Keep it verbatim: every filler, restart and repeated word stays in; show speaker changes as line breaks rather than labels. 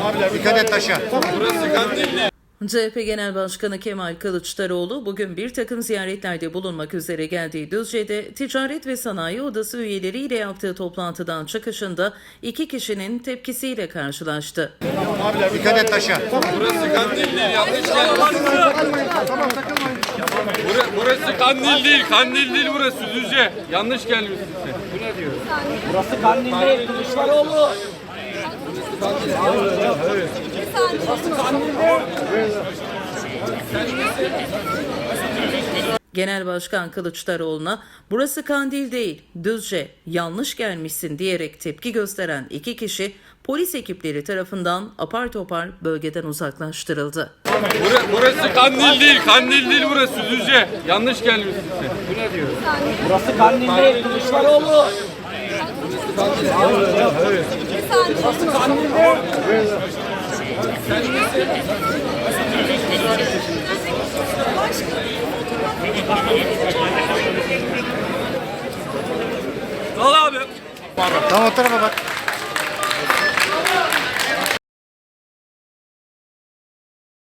Abiler dikkat et taşa.
Burası Kandilli.
C H P Genel Başkanı Kemal Kılıçdaroğlu bugün bir takım ziyaretlerde bulunmak üzere geldiği Düzce'de Ticaret ve Sanayi Odası üyeleriyle yaptığı toplantıdan çıkışında iki kişinin tepkisiyle karşılaştı.
Abiler dikkat et taşa.
Burası Kandilli. Yanlış gelmişsin. Burası, burası Kandil değil. Kandil değil burası Düzce. Yanlış gelmişsin. Bu ne diyor?
Burası Kandil değil, Kılıçdaroğlu.
Genel Başkan Kılıçdaroğlu'na "Burası Kandil değil, Düzce, yanlış gelmişsin" diyerek tepki gösteren iki kişi polis ekipleri tarafından apar topar bölgeden uzaklaştırıldı.
Burası, burası Kandil değil. Kandil değil burası Düzce. Yanlış gelmişsin. Bu ne diyor?
Burası Kandil değil, Kılıçdaroğlu. Burası Kandil değil.
Al abi.
Tamam o tarafa bak.